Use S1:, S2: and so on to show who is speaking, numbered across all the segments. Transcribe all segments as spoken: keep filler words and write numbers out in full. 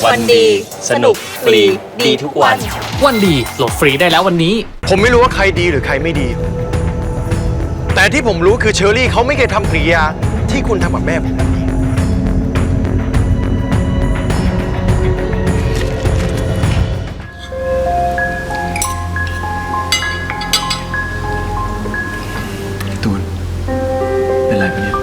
S1: วันดีสนุกฟรีดีทุกวัน
S2: วันดีโหลดฟรีได้แล้ววันนี้
S3: ผมไม่รู้ว่าใครดีหรือใครไม่ดีแต่ที่ผมรู้คือเชอรี่เขาไม่เคยทำกริยาที่คุณทำกับแม่ผมแบบนี้ตูนเป็นไรปะเนี่ย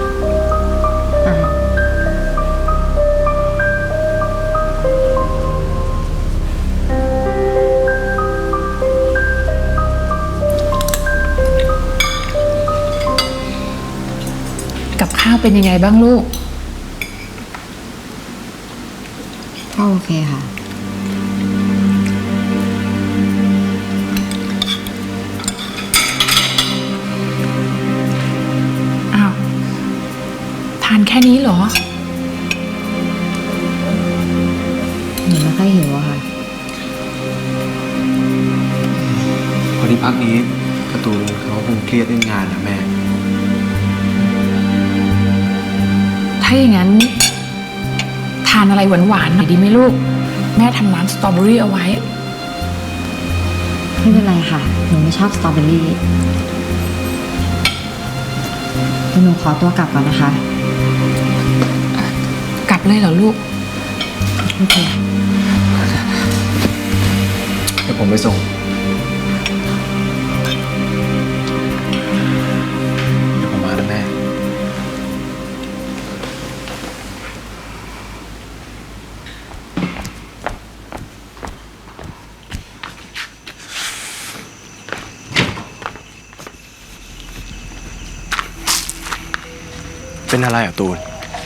S4: กับข้าวเป็นยังไงบ้างลูก
S5: ก็โอเคค่ะ
S4: อ้าวทานแค่นี้เหรอ
S5: หนูไม่ค่อยหิวอะค่ะ
S3: พอดีพักนี้การ์ตูนเขาคงเครียดเรื่องงานนะแม่
S4: ถ้าอย่างนั้นทานอะไรหวานๆหน่อยดีไหมลูกแม่ทำน้ำสตรอเบอรี่เอาไว้
S5: ไม่เป็นไรค่ะหนูไม่ชอบสตรอเบอรี่หนูขอตัวกลับก่อนนะคะ
S4: กลับเลยเหรอลูก
S5: โอเค
S3: เดี๋ยวผมไปส่งเดี๋ยวผมมานะแม่เป็นอะไรอ่ะตูน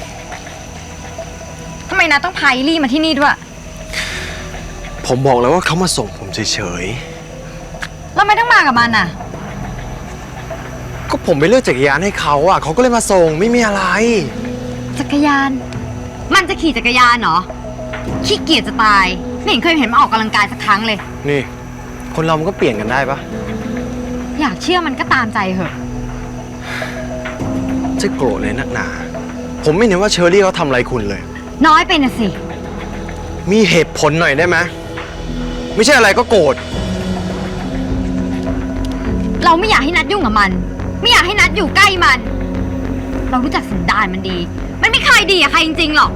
S5: ทำไมนะต้องพาอิลี่มาที่นี่ด้วย
S3: ผมบอกแล้วว่าเขามาส่งผมเฉย
S5: ๆแล้วไม่ต้องมากับมันอ่ะ
S3: ก็ผมไปเลือกจักรยานให้เขาอ่ะเขาก็เลยมาส่งไม่มีอะไร
S5: จักรยานมันจะขี่จักรยานเหรอขี้เกียจจะตายไม่เห็นเคยเห็นมันออกกำลังกายสักครั้งเลย
S3: นี่คนเรามันก็เปลี่ยนกันได้ปะ
S5: อยากเชื่อมันก็ตามใจเหอะ
S3: จะโกรธเลยนักหนาผมไม่เห็นว่าเชอรี่เขาทำอะไรคุณเลย
S5: น้อยไปนะสิ
S3: มีเหตุผลหน่อยได้ไหมไม่ใช่อะไรก็โกรธ
S5: เราไม่อยากให้นัดยุ่งกับมันไม่อยากให้นัดอยู่ใกล้มันเรารู้จักสันดานมันดีมันไม่เคยดีกับใครจริงๆหรอก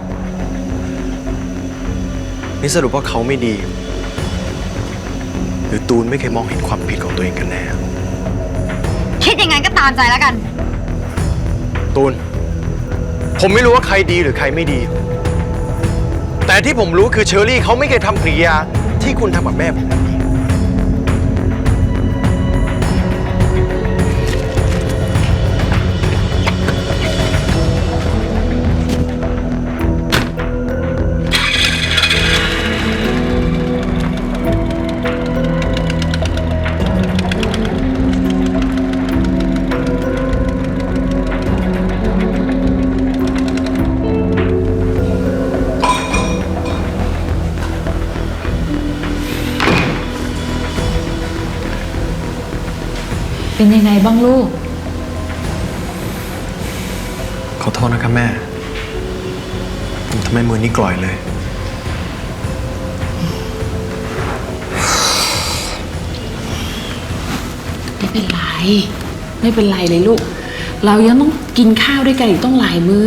S3: นี่สรุปว่าเขาไม่ดีหรือตูนไม่เคยมองเห็นความผิดของตัวเองกันแน่
S5: คิดยังไงก็ตามใจแล้วกัน
S3: ตูนผมไม่รู้ว่าใครดีหรือใครไม่ดีแต่ที่ผมรู้คือเชอรี่เขาไม่เคยทำกริยาที่คุณทำกับแม่ผมแบบนี้
S4: เป็นยังไงบ้างลูก
S3: ขอโทษนะครับแม่ผมทำให้มือนี้กร่อยเลย
S4: ไม่เป็นไรไม่เป็นไรเลยลูกเรายังต้องกินข้าวด้วยกันอีกต้องหลายมื้อ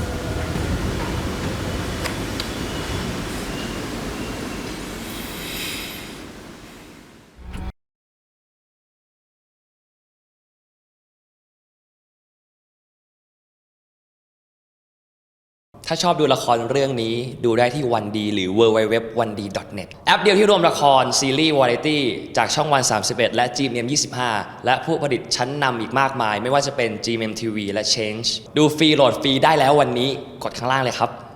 S1: ถ้าชอบดูละครเรื่องนี้ดูได้ที่วันดีหรือ ดับเบิลยู ดับเบิลยู ดับเบิลยู ดอท วันดี ดอท เน็ต แอปเดียวที่รวมละครซีรีส์วาไรตี้จากช่องวันสามสิบเอ็ดและ จี เอ็ม เอ็ม ยี่สิบห้า และผู้ผลิตชั้นนำอีกมากมายไม่ว่าจะเป็น จี เอ็ม เอ็ม ที วี และ Change ดูฟรีโหลดฟรีได้แล้ววันนี้กดข้างล่างเลยครับ